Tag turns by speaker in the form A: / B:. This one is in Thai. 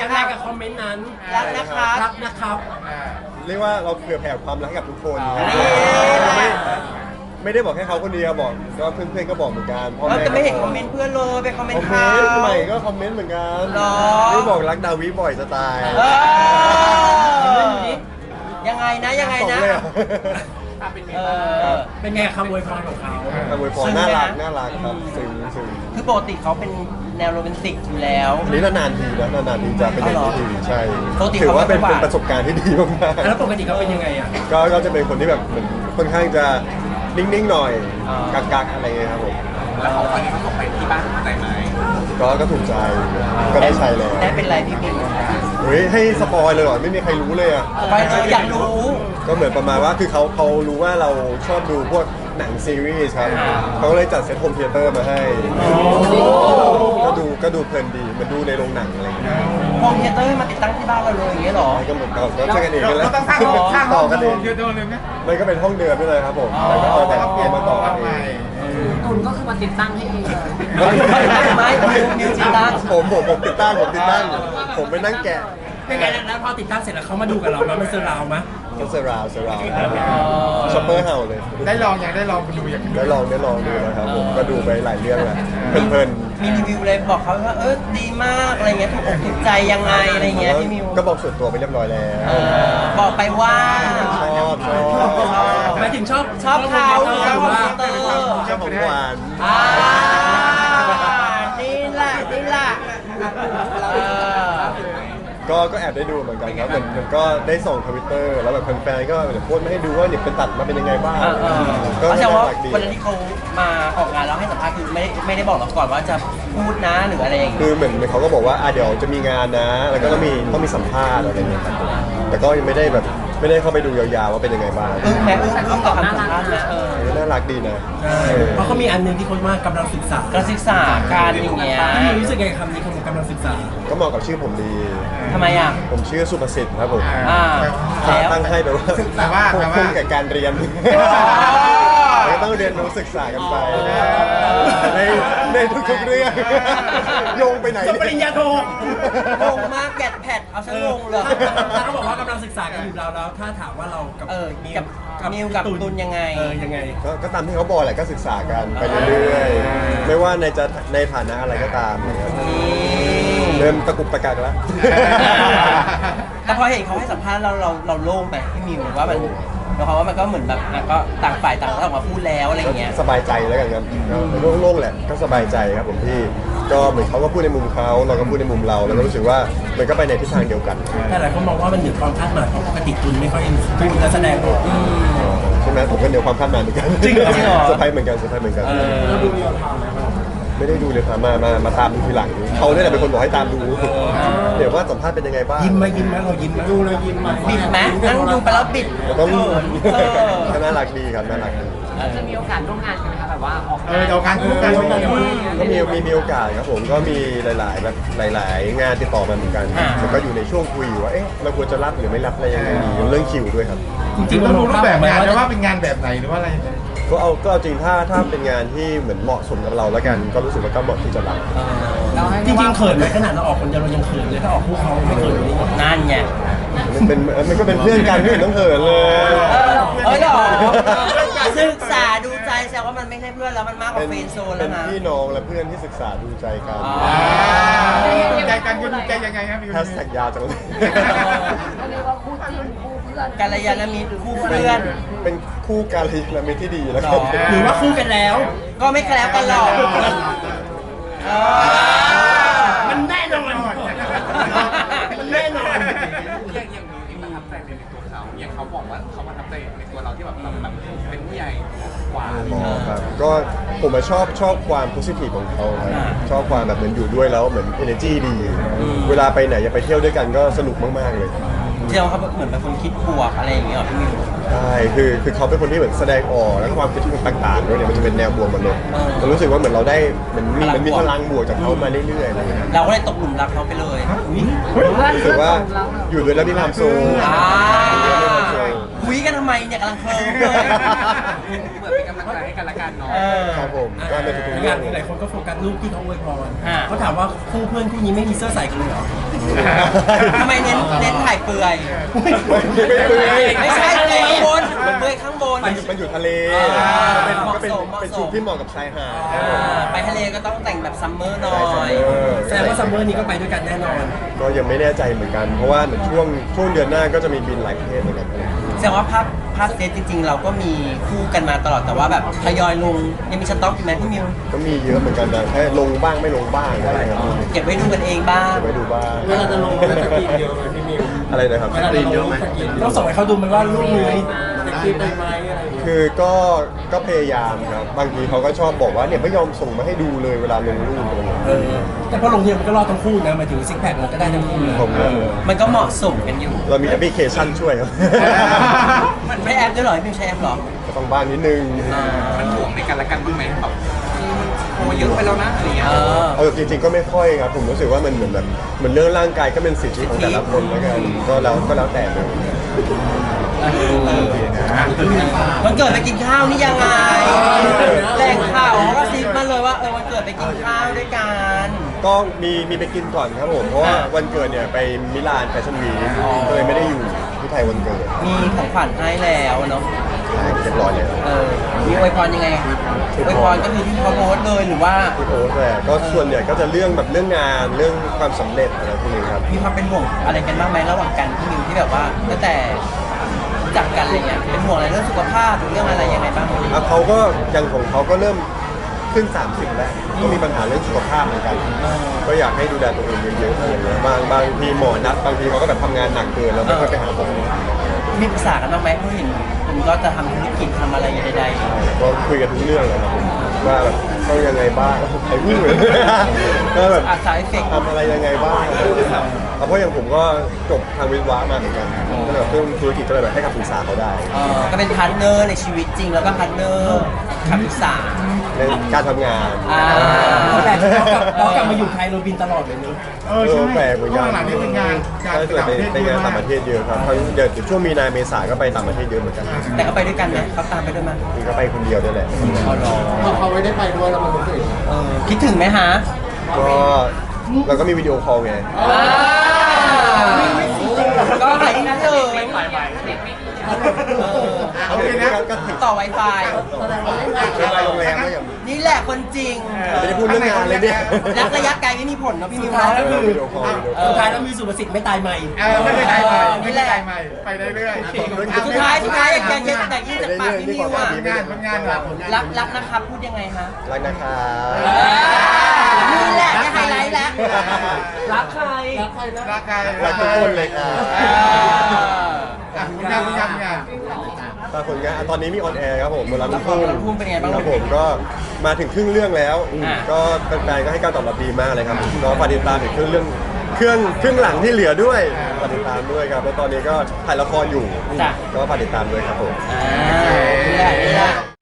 A: ยังไงกับคอมเมนต์นั้น
B: รักนะครับ
A: รักนะครับ
C: เรียกว่าเราเผื่อแผ่ความรักให้กับทุกคน
B: นี่
C: ไม่ได้บอกแค่เขาคนเดียวบอกก็เพื่อนๆก็บอกเหมือนกันพ่อ
B: เรา
C: แม่
B: จะไม่เห็นคอมเมนต์เพื่อนเลยไปคอมเมน
C: คอ
B: ต์
C: มเม
B: เขา
C: นต์ใหม่ก็คอมเมนต์เหมือนกัน
B: หรอ
C: นี่บอกรักดาวิบ่อยจะตาย
B: เออยังไงนะยังไงนะ
C: ส่เลยเหรอ
B: เออ
A: เป็นไงคำอวยพรของเขา
C: คำอวยพรน่ารักน่ารักครับซึ้งซึ้ง
B: คือปกติเขาเป็นแนวโรแมนติกอยู่แล้ว
C: อันนี้นานๆทีนะนานๆทีจะเป็นอย่างนี้ทีใช่
B: ปกติ
C: ถือว่าเป็น
B: เขาไม่ค่อยหวาน
C: ประสบการณ์ที่ดีมาก
A: แล้วปกติเขาเป็นยังไงอ่ะ
C: ๆก็จะเป็นคนที่แบบเหมือนค่อนข้างจะนิ่งๆหน่อยกักๆอะไรเงี้ยครับผม
D: แล้วของขวัญที่เขาส่งไปที่บ้านถูกใจไหม
C: ก็ถูกใจก็ได้ใช้แล้ว
B: ได้เป็นไรพี่ปิง
C: เฮ้ยให้สปอยเลยเหรอไม่มีใครรู้เลยอ่ะ
B: ไปเลยอยากรู้
C: ก็เหมือนประมาณว่าคือเขารู้ว่าเราชอบดูพวกหนังซีรีส์ครับเขาก็เลยจัดเซตโฮมเธียเตอร์มาให้ก็ดูเพลินดีเหมันดูในโรงหนังอะไรอย่างเงี้ย
B: โฮมเธียเตอร์ให้มาติดตั้งที่บ้านเราเลยอย่างเงี้ยเหรอ
C: ก็เหมือนเราช่วยกันเองกันแล้ว
D: เราต้องสร้างห้อง
C: ต่อกันเอง
D: เดียวเลยไหม
C: มันก็เป็นห้องเดิมนี่เลยครับผมแต่ก็เอาแต่เอามาต่อกันเอง
E: ตุนก็คือมาติดตั้งให้เองเลย
B: ไม่มิวจิตั้ง
C: ผมติดตั้งผมไปนั่งแกะ
A: เป็นไงแล้วพอติดตั้งเสร็จแล้วเขามาดูกับเราไหมมันเซอร์ราวไหม
C: ก็เซราวช็อปเปอร์เห่าเลย
D: ได้ลองยังได้ลองไปดูอย่าง
C: ได้ลองดูนะครับผมก็ดูไปหลายเรื่องแล้วเพลิน
B: มีรีวิวเลยบอกเขาว่าดีมากอะไรเงี้ยถูกอกถูกใจยังไงอะไรเงี้ยพี่มิว
C: ก็บอกส่วนตัวไปเรียบร้อยแล้ว
B: บอกไปว่า
C: ชอบ
A: หมายถึงชอบ
B: ชอบเขา
A: ห
B: ชอบ
A: รือ
B: คอม
A: ว่า
B: พิวเตอร์
C: ชอบของหวาน
B: นี่แหละ
C: ก็แอบได้ดูเหมือนกันครับมันก็ได้ส่งทวิตเตอร์แล้วแบบแฟนๆก็โพสต์มาให้ดูว่าเนี่ยเป็นตัดมาเป็นยังไงบ้างก็
B: ก็แสดง
C: น่า
B: ว่า
C: รักดี
B: วันนั้นที่เขามาออกงานแล้วให้สัมภาษณ์คือไม่ได้บอกเราก่อนว่าจะพูดนะหรืออะไรอย่างเงี้ย
C: คือเหมือนเขาก็บอกว่าเดี๋ยวจะมีงานนะ แล้วก็ต้องมีสัมภาษณ์อะไรอย่างเงี้ยครับแต่ก็ยังไม่ได้เข้าไปดูยาวๆว่าเป็นยังไงบ้าง
B: แม้อึ้งกับคำสัมภาษณ์นะ
C: น่ารักดีนะ
A: เพราะเขามีอันหนึงที่เขาว่ากำลังศึกษา
B: การศึกษาการอย่างเงี้ย
A: พี่มิวรู้สึกไงคำนี้คำว่ากำลังศึกษา
C: ก็เหมาะกับชื่อผมดี
B: ทำไมอ่ะ
C: ผมชื่อสุภสิทธิ์ครับผม
B: แล้ว
C: ตั้งให้แบบว่าคุ้มกับการเรียนก็ต้องเรียนรู้ศึกษากันไปในทุกๆเรื่องโยงไปไหน
A: จบปริญญาโท
B: งงมากแกดแพดเอาซะงงเลย
A: ถ้าเขาบอกว่ากำลังศึกษากันอยู่แล้วถ้าถามว่าเรากับ
B: กับมิวกับตุนยังไง
A: ยังไง
C: ก็ตามที่เขาบอกแหละก็ศึกษากันไปเรื่อยๆไม่ว่าในฐานะอะไรก็ตามนะครับเริ่มตะกุกตะกักแล้ว
B: แต่พอเห็นเขาให้สัมภาษณ์เราโล่งไปพี่มิวว่ามันเพราะว่ามันก็เหมือนแบบก็ต่างฝ่ายต่างออกมาพูดแล้วอะไรอย่างเงี้ย
C: สบายใจแล้วกันครับโล่งๆแหละก็สบายใจครับผมพี่ก็เหมือนเขาก็พูดในมุมเขาเราก็พูดในมุมเราแล้วก็รู้สึกว่ามันก็ไปในทิศทางเดียวกัน
A: แต่หลายคนมองว่ามันเหนือความคาดหมายเพราะปกติตุนไม่ค่อยพูดและแสดงออก
C: ใช่ไหมผมก็เหนือความคาดหมายเหมือนกัน
B: จริงเหรอ
C: เซอร์ไพรส์เหมือนกันไม่ได้ดูเลยครับมาตามดูทีหลังเขาเนี่ยแหละเป็นคนบอกให้ตามดูเดี๋ยวว่าสัมภาษณ์เป็นยังไงบ้าง
A: ยิ้มไหมเรายิ้มไหมดูเลยยิ้มไหม
B: บิดไหมนั่งดูไปแล้วบิด
C: แล้วก็
B: เขิน
C: ก็น่ารักดีครับน่ารักดี
E: จะมีโอกาสร่วมงานกันไหมคะแบบว่าออก
D: เอางานคู่กัน
C: ก็มีโอกาสครับผมก็มีหลายงานติดต่อมาเหมือนกันแต่ก็อยู่ในช่วงคุยอยู่ว่าเอ๊ะเราควรจะรับหรือไม่รับอะไรยังไงดีเรื่องคิวด้วยครับ
A: จริ
D: จริ
A: ง
D: ง
A: ๆ
D: ต้
A: เรา
D: อง
A: ม
D: ดู
A: อง
D: รูป
A: ภาพ
D: แบบ
A: แบบ
D: งาน
A: ว่า
D: นะว่าเป็นงานแบบไหนหรือว่าอะไร
C: ก็เอาจริงถ้าเป็นงานที่เหมือนเหมาะสมกับเราแล้วกัน ก็รู้สึกว่าก็เหมาะที่จะรับ
A: จริงๆเขินไหมขนาดเราออกคนเดียวเรายังเขินเลยถ้าออกคู่เขาไม่เขินเลย
B: นั่นไง
C: มันก็เป็นเพื่อนกันไม่เห็นต้องเขินเลย
B: หรอศึกษาดูใจแสดงว่ามันไม่ใช่เพื่อนแล้วมันมากกว่าเฟรนด์โซน
C: เป็
B: แล้ว
C: น
B: นะ
C: พี่น้องและเพื่อนที่ศึกษาดูใจกัน
D: ใจกันก็ดูใจยังไงครับพี่
C: แฮชแท็กยาวจังเลย
E: เขาเรียกว่าคู่จิ้นคู่เพื่อน
B: กัลยาณมิตรคู่เพื่อน
C: เป็นคู่การีและมิตรที่ดีแล้ว
B: หร
C: กั
B: อ
C: น
A: หรือว่าคู่กันแล้ว
B: ก็ไม่แคล้วกันหรอก
A: มันแน่นอนมันแน่นอน
D: อย่างมีประทับใจในตัวเขาอย่างเขาบอกว่าเขาประทับใจในตัวเราที่แบบเป็นผู้ใหญ่กว่า
C: ครับก็ผมชอบความโพสิทีฟของเขาครับชอบความแบบเหมือนอยู่ด้วยแล้วเหมือน energy ดี เวลาไปไหนอย่าไปเที่ยวด้วยกันก็สนุกมากๆเลย
B: เที่ยวเขาเหมือนเป็นคนคิดบวกอะไรอย่างเงี้ยหรอพี่มิว
C: ใช่คือเขาเป็นคนที่เหมือนแสดงออกแล้วก็ความคิดต่างๆด้วยเนี่ยมันจะเป็นแนวบวกหมดเลยเรารู้สึกว่าเหมือนเราได้เหมือนมีพลังบวกจากเขามาเรื่อยๆอะไรอย่างเงี้ย
B: เราก็เลยตกหลุมรักเขาไปเลย
C: รู้สึกว่าอยู่ด้วยแล้วมีความสุข
B: อ่า
C: อยู่ด้วยแล้วมีความสุข
B: คุยยกันทำไมเนี่ยกำลังเคลิ้มเลย
D: เหมือนเป็นกำลังใจให้กันละกันเนาะ
B: เออ
C: ครับผมก็ในทุกๆเรื่
A: งา
C: อน ง
A: หลายคนก็โฟกัสรูปที่เขาอวยพร
B: อ่า
A: เขาถามว่าคู่เพื่อนคู่นี้ไม่มีเสื้อใส่กันเลยเหรอ
B: ทำไมเน้นถ่ายเปลือย ไม่ใช่เปลือยข้างบนเปลือยข้างบน
C: มันอยู่ทะเล
B: อ่า
C: ก็เป็น
B: เหมาะสม
C: เป็นชุดที่เหมาะกับชายหาด
B: ไปทะเลก็ต้องแต่งแบบซัมเมอร์หน่อ
C: ใช่
B: ย
A: แสดงว่าซัมเมอร์นี้ก็ไปด้วยกันแน่นอน
C: ก็ยังไม่แน่ใจเหมือนกัน เพราะว่าช่วงเดือนหน้าก็จะมีบินหลายประเทศเหมือนกัน
B: แสดงว่าภาพเซตจริงๆ เราก็มีคู่กันมาตลอดแต่ว่าแบบทยอยลงยังมีสต็อกอยู่ไหมพี่มิว
C: ก็มีเยอะเหมือนกันนะแค่ลงบ้างไม่ลงบ้างอะไรครับ
B: เก็บไว้ดูกันเองบ้าง
C: ไว้ดูบ้าง
A: เวลาจะลงก็จะกินเยอะไหมพี่มิว
C: อะไรนะครับ
A: เวลาจะลงก็จะกินต้องส่งให้เขาดูไหมว่ารูปนี้จะกินไปไหมอะไรอย่างเงี้ย
C: คือก็พยายามครับบางทีเขาก็ชอบบอกว่าเนี่ยไม่ยอมส่งมาให้ดูเลยเวลาลงรูปอะไรอย่างเงี้ย
A: แต่พอลงทีมันก็รอดทั้งคู่นะหมายถึงซิกแพคมันก็ได้ทั้งคู่เลย
C: ผมว่า
B: มันก็เหมาะสมกันอยู่
C: เรามีแอปพลิเคชันช่วยครับ
B: มันไม่แอปด้วยเหรอพี่มิวใช้แอปเหรอ
C: ก็ต้องบ้างนิดนึง
D: มันห่วงในกันละกันบ้างไหมแบบโอ้เยอะไปแล้วนะอะไรเงี้ย
B: เออ
C: เอาจริงๆก็ไม่ค่อยครับผมรู้สึกว่ามันเหมือนแบบเหมือนเรื่องร่างกายก็เป็นสิทธิของแต่ละคนแล้วกันก็แล้วแต่เลย
B: วันเกิดไปกินข้าวนี่ยังไงแหล่งข่าวเขาก็ซิปมาเลยว่าวันเกิดไปกินข้าวด้วยกัน
C: ก็มีไปกินก่อนครับผมเพราะว่าวันเกิดเนี่ยไปมิลานแฟชั่นวีคก็เลยไม่ได้อยู่ที่ไทยวันเกิด
B: มีของขวัญให้แล้วเนาะ
C: ใช่เรียบร้อยเลย
B: มีอวยพรยังไงอวยพรก็คือที่เขาโพสต์เลยหรือว่า
C: ที่โพสต์แหละก็ส่วนใหญ่ก็จะเรื่องแบบเรื่องงานเรื่องความสำเร็จอะไรพวกนี้ครับ
B: มีความเป็นห่วงอะไรกันบ้างไหมระหว่างกันพี่มิวที่แบบว่าตั้งแต่รู้จักกันอะไรเงี้ยเป็นห่วงอะไรเรื่องสุขภาพหรือเรื่องอะไรยังไงบ้าง
C: เขาก็ยังของเขาก็เริ่มขึ้น 30 แล้วก็มีปัญหาเรื่องสุขภาพเหมือนกัน ก็อยากให้ดูแลตัวเองเยอะๆอะไรอย่างเงี้ยบางทีหมอนัดบางทีเขาก็แบบทำงานหนักเกินแล้วไม่ค่อยไปหาหมอ
B: มีปรึกษากันบ้างไหมเพราะเห็นผมก็จะทำธุรกิจทำอะไรใด
C: ก็คุยกันทุกเรื่องเลยครับผมว่าแบบต้องยังไงบ้างใครวิ่งเลยก็แบบ
B: ๆอาสาเอฟเฟกต์
C: ทำอะไรยังไงบ้างเพราะอย่างผมก็จบทางวิศวะมาเหมือนกันก็เลยแบบเรื่องธุรกิจก็เลยแบบให้คำปรึกษาเขาได้
B: ก็เป็นพาร์ทเนอร์ในชีวิตจริงแล้วก็พาร์ทเนอร์คำปรึกษา
C: ในการทำงาน
A: แต่เรากลับมาอยู่ไทยเราบินตลอดเลยเนอะ
C: แปลกเหมือนกัน
F: หลังนี้เป็นงาน
C: ก็จะไปงานต่างประเทศเยอะครับเดี๋ยวช่วงมีนาเมษาก็ไปต่างประเทศเยอะเหมือนกัน
B: แต่ก็ไปด้วยกันไหมเขาตามไปด้วยมั้ย
C: นี่ก็ไปคนเดียวด้วยแหละ
F: พอเขาไม่ได้ไปด้วยแล้วมันรู้สึก
B: คิดถึงไหมฮะ
C: ก็เราก็มีวิดีโอคอลไง
B: ก็หายที่นั่นเลย
C: โอเคนะก็ถึง
B: ต่อ Wi-Fi
C: ไปโรงแรมก็อย่าง
B: นี่แหละคนจริง
C: ไม่ได้พูดเรื่องงานเลยเนี่ย
B: รักระยะไกลไม่มีผลเนาะพี่มิว
A: สุดท้ายแล้ว
B: เนาะ
A: คือ
C: วิดีโอคอล
A: สุดท้ายแล้วมีสุภสิทธิ์ไม่ตายใหม่
F: ไม่ได้ไปใหม่
B: นี่
F: ไม่
B: แห
F: ได้
B: ละ
F: ไปใหม่ไปเรื่อยๆ
B: สุดท้ายอยากยินจากปากพี่มิวอ่ะ
F: ผลงานแบบผลงาน
B: รักนะครับพูดยังไงฮะ
C: รักนะครับ
B: นี่แหละได้ไฮไลท์แล้วรักใคร
F: รักใคร
C: รักทุกคนเลยค่ะ
F: ผลงาน
C: ตอนผลงานตอนนี้มีออนแอร์ครับผมบนรับ
B: ละครบนรับพุ่งเป็นไงบ้าง
C: ครับผมก็มาถึงครึ่งเรื่องแล้ว
B: อ่า
C: ก็แฟนๆก็ให้การตอบรับดีมากเลยครับก็ฝากติดตามถึงครึ่งเรื่องเครื่องหลังที่เหลือด้วยฝากติดตามด้วยครับแล้วตอนนี้ก็ถ่ายละครอยู่
B: จ้ะ
C: ก็ฝากติดตามด้วยครับผม
B: นี่แหละ